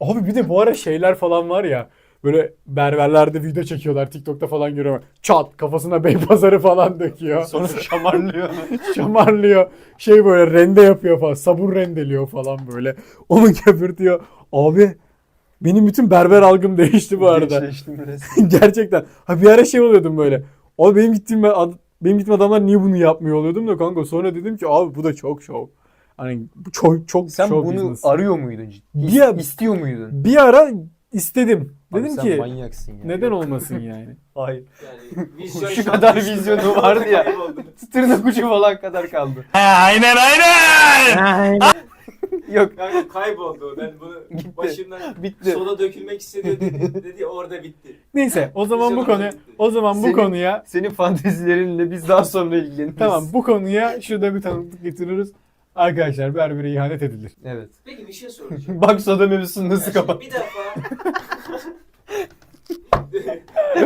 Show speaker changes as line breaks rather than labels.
Abi bir de bu ara şeyler falan var ya. Böyle berberlerde video çekiyorlar. TikTok'ta falan görüyorum. Çat kafasına Beypazarı falan döküyor.
Sonra şamarlıyor.
Şamarlıyor. Şey böyle rende yapıyor falan. Sabun rendeliyor falan böyle. Onu köpürtüyor. Abi benim bütün berber algım değişti bu arada.
Gençleştim resmen.
Gerçekten. Ha bir ara şey oluyordum böyle. Abi benim gittiğim adamlar niye bunu yapmıyor oluyordum da kanka. Sonra dedim ki abi bu da çok şov. Hani bu çok
Sen
show
bunu
business.
arıyor muydun ciddi?
Bir-
İstiyor muydun?
Bir ara istedim.
Abi
Dedim
sen
ki
manyaksın ya.
neden olmasın yani.
Hayır.
Yani vizyon
Şu
şu an
kadar
düştü.
vizyonu vardı ya.
Kayboldu.
Tırnak ucu falan kadar kaldı.
Aynen.
Yok.
Kanka kayboldu. Ben bunu
Gitti.
başından
Bitti.
sola dökülmek istedi dedi orada bitti.
Neyse o zaman bu
Vizyonum
konu
da bitti.
o zaman bu
Senin-
konuya
Senin fantezilerinle biz daha sonra ilgileniriz.
tamam bu konuya şurada bir tanıklık getiriyoruz. Arkadaşlar berbere ihanet edilir.
Evet.
Peki bir şey soracağım.
Bak soda mevzusunu nasıl
Ya şimdi
kapat.
bir defa